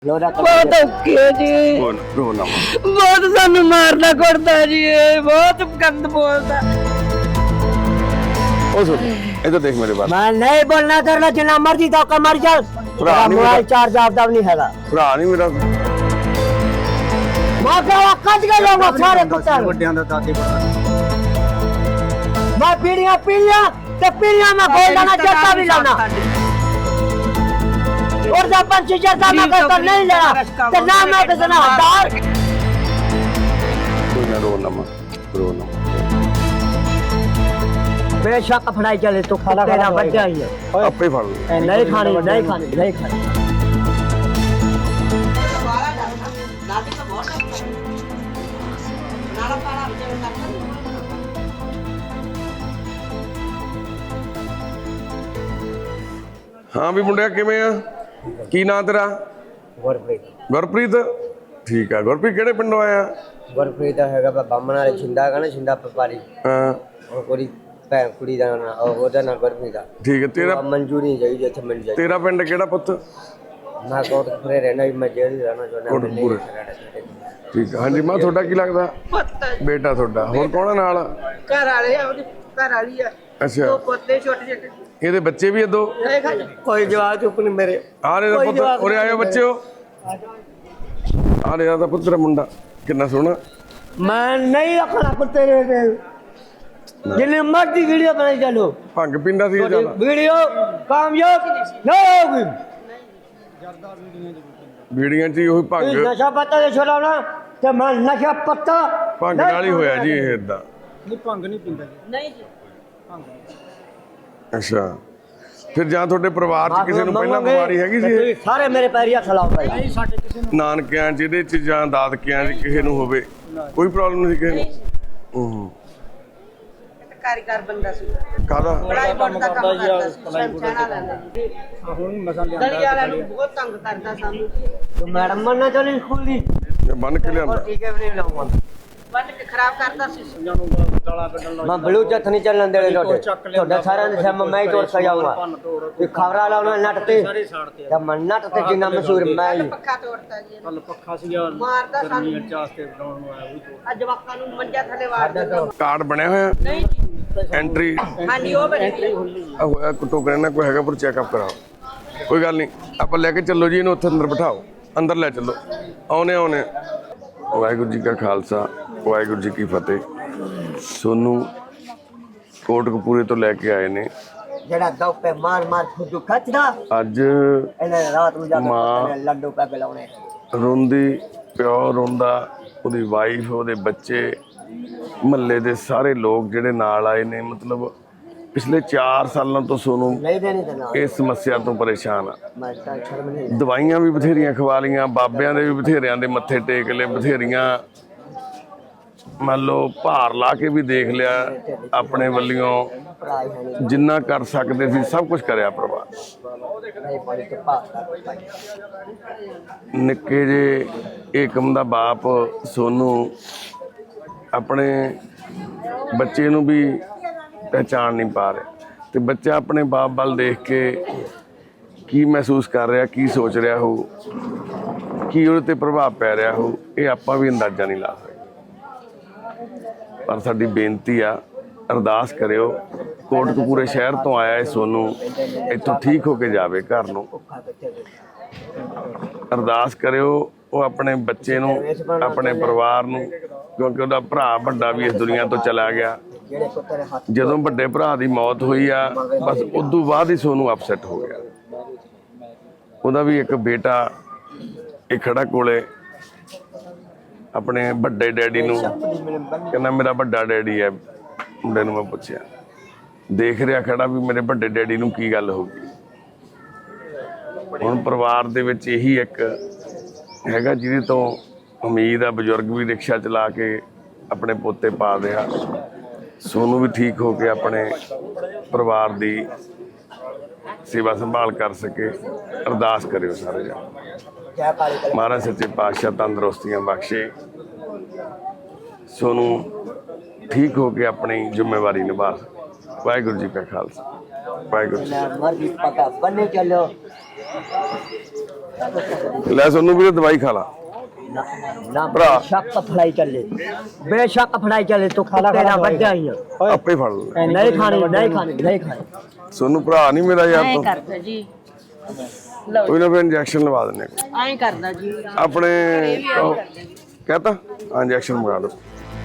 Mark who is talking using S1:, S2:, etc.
S1: बहुत औखी है जी, बहुत सानू मारना कुटदा जी, बहुत गंद बोलदा।
S2: इधर देख मेरे बात।
S3: मैं नहीं बोलना करना जिन्ना मर्जी तो मर जा। मोबाइल चार्ज आपदा नहीं हैगा।
S2: भरा नहीं मेरा।
S3: मैं क्या कट के जाऊंगा सारे पुत्र।
S4: ਵੱਡਿਆਂ ਦਾ ਦਾਦੇ ਬੜਾ
S3: मैं पीढ़ियां में खोल देना जट्टा भी लाना। और जब पंछी जट्टा में करता नहीं लेना तो ना मैं किसना हटार।
S2: कोई ना रो ना
S3: बेशक फड़ाई चले तो तेरा बच्चा ही है।
S2: आपे फड़ लो।
S3: नहीं खानी।
S2: हाँ भी मुंडिया किवें आ की नां तेरा? गुरप्रीत। ठीक है गुरप्रीत किहड़े पिंडों आया?
S3: गुरप्रीत हैगा बामण वाले छिंदा का ना छिंदा व्यापारी।
S2: हाँ
S3: और कोई भैन कुड़ी दा ना ओदा ना गुरप्रीत दा।
S2: ठीक है तेरा
S3: मंजूरी चाहिए इत्थे मिल जाए।
S2: तेरा पिंड किहड़ा पुੱਤ?
S3: मैं कोटपुरे रहना मैं जेल रहना चाहना।
S2: कोटपुरे। ठीक है। हाँ जी मां थोड़ा की लगदा? बेटा थोड़ा होर कौन है नाल?
S1: घर वाले ओदी घर वाली है,
S2: अच्छा
S1: दो पोते छोटे छोटे।
S2: ਇਹਦੇ ਬੱਚੇ ਵੀ ਆ ਦੋ?
S3: कोई जवाब चुप नहीं मेरे।
S2: ਆ ਰੇ ਦਾ ਪੁੱਤ ਉਰੇ ਆਇਓ ਬੱਚਿਓ। ਆ ਰੇ ਦਾ ਪੁੱਤ ਤੇਰਾ ਮੁੰਡਾ ਕਿੰਨਾ ਸੋਹਣਾ।
S3: मैं नहीं रखना कुत्ते रे जिन्हें मर्जी वीडियो बनाई चलो।
S2: ਭੰਗ ਪੀਂਦਾ ਸੀ ਚੱਲ।
S3: वीडियो कामयाब नहीं होगी।
S2: ਵੀਡੀਆਂ 'ਚ ਹੀ ਉਹੀ ਭੰਗ
S3: नशा पत्ता से छुड़ाना तो मैं नशा पत्ता
S2: ਭੰਗ ਨਾਲ ਹੀ ਹੋਇਆ ਜੀ ਇਹ ਇਦਾਂ।
S4: ਨਹੀਂ ਭੰਗ ਨਹੀਂ ਪੀਂਦਾ ਜੀ।
S1: नहीं जी,
S2: ਅੱਛਾ ਫਿਰ ਜਾਂ ਤੁਹਾਡੇ ਪਰਿਵਾਰ 'ਚ ਕਿਸੇ ਨੂੰ ਪਹਿਲਾਂ ਬਿਮਾਰੀ ਹੈਗੀ ਸੀ?
S3: सारे मेरे पैरिया खिलाओ भाई।
S4: ਸਾਡੇ ਕਿਸੇ ਨੂੰ
S2: ਨਾਨਕਿਆਂ 'ਚ ਇਹਦੇ 'ਚ ਜਾਂ ਦਾਦਕਿਆਂ 'ਚ ਕਿਸੇ ਨੂੰ ਹੋਵੇ ਕੋਈ ਪ੍ਰੋਬਲਮ ਨਹੀਂ ਸੀ ਕਿਸੇ ਨੂੰ?
S1: कारीगर बंदा सी,
S2: ਕਾਹਦਾ?
S1: बड़ाई बोर्ड का काम करता सी, शमशाना लांदा जी।
S4: ਹੁਣ ਮਸਾਂ
S1: गली वाला नु बहुत तंग करदा सानू,
S3: तो मैडम मरना चली स्कूल दी।
S2: ਬੰਨ ਕੇ ਲਿਆਂਦਾ।
S3: ठीक है नहीं लाऊंगा
S1: बन के खराब करदा सी।
S4: ਜਾਨੂੰ ਗਾਲਾਂ ਕੱਢਣ ਲੱਗ
S3: मैं ब्लू चथ नहीं चलन देने छोटे सारे से मैं ही तोड़ सजाऊंगा। ये खबरा लाना नटते
S4: ਸਾਰੇ ਸਾੜਤੇ
S3: जब मैं नटते जिन्ना मशहूर मैं ही।
S1: पक्का तोड़ता जी,
S4: ਕੱਲ ਪੱਖਾ ਸੀਗਾ
S1: मारदा सानू।
S4: ਗਰਮੀਆਂ ਚ ਆਸਤੇ ਬਣਾਉਣ ਨੂੰ ਆਇਆ ਉਹ ਤੋਂ
S1: आज जवाकां नु मंजा थले वार दिंदा।
S2: ਕਾਰਡ ਬਣਿਆ ਹੋਇਆ
S1: नहीं जी,
S2: ਐਂਟਰੀ
S1: हां जी ओ बनी
S2: ਟੋਕਰੇ ਨਾਲ ਕੋਈ ਹੈਗਾ ਪਰ ਚੈੱਕਅਪ ਕਰਾਓ। ਕੋਈ ਗੱਲ ਨਹੀਂ ਆਪਾਂ ਲੈ ਕੇ ਚੱਲੋ ਜੀ ਇਹਨੂੰ ਉੱਥੇ ਅੰਦਰ ਬਿਠਾਓ ਅੰਦਰ ਲੈ ਚੱਲੋ। ਆਉਨੇ ਵਾਹਿਗੁਰੂ ਜੀ ਕਾ ਖਾਲਸਾ ਵਾਹਿਗੁਰੂ ਜੀ ਕੀ ਫਤਿਹ। ਸੋਨੂੰ ਕੋਟਕਪੂਰੇ ਤੋਂ ਲੈ ਕੇ ਆਏ ਨੇ
S3: जड़ा दो पे मार फुदू खचदा
S2: ਅੱਜ।
S3: इन्हें रात में जाके
S2: माँ।
S3: लड्डू पे खिलाने।
S2: ਰੋਂਦੀ ਪਿਓ ਰੋਂਦਾ ਉਹਦੀ ਵਾਈਫ ਉਹਦੇ ਬੱਚੇ ਮਹੱਲੇ ਦੇ ਸਾਰੇ ਲੋਕ ਜਿਹੜੇ ਨਾਲ ਆਏ ਨੇ ਮਤਲਬ ਪਿਛਲੇ 4 ਸਾਲਾਂ ਤੋਂ ਸੋਨੂੰ
S3: नहीं देनी तो ना
S2: ਇਸ ਸਮੱਸਿਆ ਤੋਂ ਪਰੇਸ਼ਾਨ ਆ।
S3: मैं तो शर्म नहीं।
S2: ਦਵਾਈਆਂ ਵੀ ਬਥੇਰੀਆਂ ਖਵਾ ਲੀਆਂ ਬਾਬਿਆਂ ਦੇ ਵੀ ਬਥੇਰਿਆਂ ਦੇ ਮੱਥੇ ਟੇਕ ਲਏ ਬਥੇਰੀਆਂ ਮੰਨ ਲਓ ਭਾਰ ਲਾ ਕੇ ਵੀ ਦੇਖ ਲਿਆ ਆਪਣੇ ਵੱਲੋਂ
S3: पढ़ाई है नहीं
S2: ਜਿੰਨਾ ਕਰ ਸਕਦੇ ਸੀ ਸਭ ਕੁਝ ਕਰਿਆ ਪਰਿਵਾਰ।
S3: नहीं पढ़ी तो पास।
S2: ਨਿੱਕੇ ਜੇ ਏਕਮ ਦਾ ਬਾਪ ਸੋਨੂੰ ਆਪਣੇ ਬੱਚੇ ਨੂੰ ਵੀ ਪਹਿਚਾਣ ਨਹੀਂ ਪਾ ਰਿਹਾ ਤੇ ਬੱਚਾ ਆਪਣੇ ਬਾਪ ਵੱਲ ਦੇਖ ਕੇ ਕੀ ਮਹਿਸੂਸ ਕਰ ਰਿਹਾ ਕੀ ਸੋਚ ਰਿਹਾ ਹੋ ਕੀ ਉਹਦੇ ਤੇ ਪ੍ਰਭਾਵ ਪੈ ਰਿਹਾ ਹੋ ਇਹ ਆਪਾਂ ਵੀ ਅੰਦਾਜ਼ਾ ਨਹੀਂ ਲਾ ਸਕਦੇ। ਪਰ ਸਾਡੀ ਬੇਨਤੀ ਆ ਅਰਦਾਸ ਕਰਿਓ ਕੋਟਕਪੂਰੇ ਸ਼ਹਿਰ ਤੋਂ ਆਇਆ ਇਹ ਸੋਨੂੰ ਇੱਥੋਂ ਠੀਕ ਹੋ ਕੇ ਜਾਵੇ ਘਰ ਨੂੰ। ਅਰਦਾਸ ਕਰਿਓ ਉਹ ਆਪਣੇ ਬੱਚੇ ਨੂੰ ਆਪਣੇ ਪਰਿਵਾਰ ਨੂੰ ਕਿਉਂਕਿ ਉਹਦਾ ਭਰਾ ਵੱਡਾ ਵੀ ਇਸ ਦੁਨੀਆ ਤੋਂ ਚਲਾ ਗਿਆ।
S3: जेड़े को तेरे हाथ
S2: ਜਦੋਂ ਵੱਡੇ ਭਰਾ ਦੀ ਮੌਤ ਹੋਈ ਆ ਬਸ ਉਦੋਂ ਬਾਅਦ ਹੀ ਸੋਨੂੰ ਅਪਸੈਟ ਹੋ ਗਿਆ। ਉਹਦਾ ਵੀ ਇੱਕ ਬੇਟਾ ਇਹ ਖੜਾ ਕੋਲੇ ਆਪਣੇ ਵੱਡੇ ਡੈਡੀ ਨੂੰ ਕਹਿੰਦਾ ਮੇਰਾ ਵੱਡਾ ਡੈਡੀ ਹੈ। ਮੁੰਡੇ ਨੂੰ ਮੈਂ ਪੁੱਛਿਆ ਦੇਖ ਰਿਹਾ ਖੜਾ ਵੀ ਮੇਰੇ ਵੱਡੇ ਡੈਡੀ ਨੂੰ ਕੀ ਗੱਲ ਹੋ ਗਈ। ਹੁਣ ਪਰਿਵਾਰ ਦੇ ਵਿੱਚ ਇਹੀ ਇੱਕ ਹੈਗਾ ਜਿਹਦੇ ਤੋਂ ਉਮੀਦ ਆ ਬਜ਼ੁਰਗ ਵੀ ਰਿਕਸ਼ਾ ਚਲਾ ਕੇ ਆਪਣੇ ਪੋਤੇ ਪਾਲ ਰਿਹਾ। ਸੋਨੂੰ ਵੀ ਠੀਕ ਹੋ ਕੇ ਆਪਣੇ ਪਰਿਵਾਰ ਦੀ ਸੇਵਾ ਸੰਭਾਲ ਕਰ ਸਕੇ। ਅਰਦਾਸ ਕਰਿਓ ਸਾਰੇ ਜਣੇ।
S3: क्या काली कलम
S2: ਮਹਾਰਾਜ ਸੱਚੇ ਪਾਤਸ਼ਾਹ ਤੰਦਰੁਸਤੀਆਂ ਬਖਸ਼ੇ ਸੋਨੂੰ ਠੀਕ ਹੋ ਕੇ ਆਪਣੀ ਜ਼ਿੰਮੇਵਾਰੀ ਨਿਭਾ ਸਕੇ। ਵਾਹਿਗੁਰੂ ਜੀ ਕਾ ਖਾਲਸਾ ਵਾਹਿਗੁਰੂ ਜੀ।
S3: मर्जी पका बने चलो
S2: ਲੈ ਸੋਨੂੰ ਵੀਰੇ ਦਵਾਈ ਖਾ ਲਾ
S3: ना
S2: भरा।
S3: बेशक फड़ाई चले बेशक फड़ाई चले तो तेरा बच्चा ही है
S2: ਆਪੇ ਫੜ ਲੈ
S3: नहीं खानी नहीं खानी नहीं खानी
S2: ਸੋਨੂੰ ਭਰਾ ਨਹੀਂ ਮੇਰਾ ਯਾਰ
S1: ਐਂ
S2: ਤੂੰ
S1: ਕਰਦਾ ਜੀ ਲਓ
S2: ਕੋਈ ਨਾ ਫਿਰ ਇੰਜੈਕਸ਼ਨ ਲਵਾ ਦਿੰਨੇ
S1: ਐਂ ਕਰਦਾ ਜੀ
S2: ਆਪਣੇ ਕਹਤਾ ਇੰਜੈਕਸ਼ਨ ਮੰਗਾ ਲਓ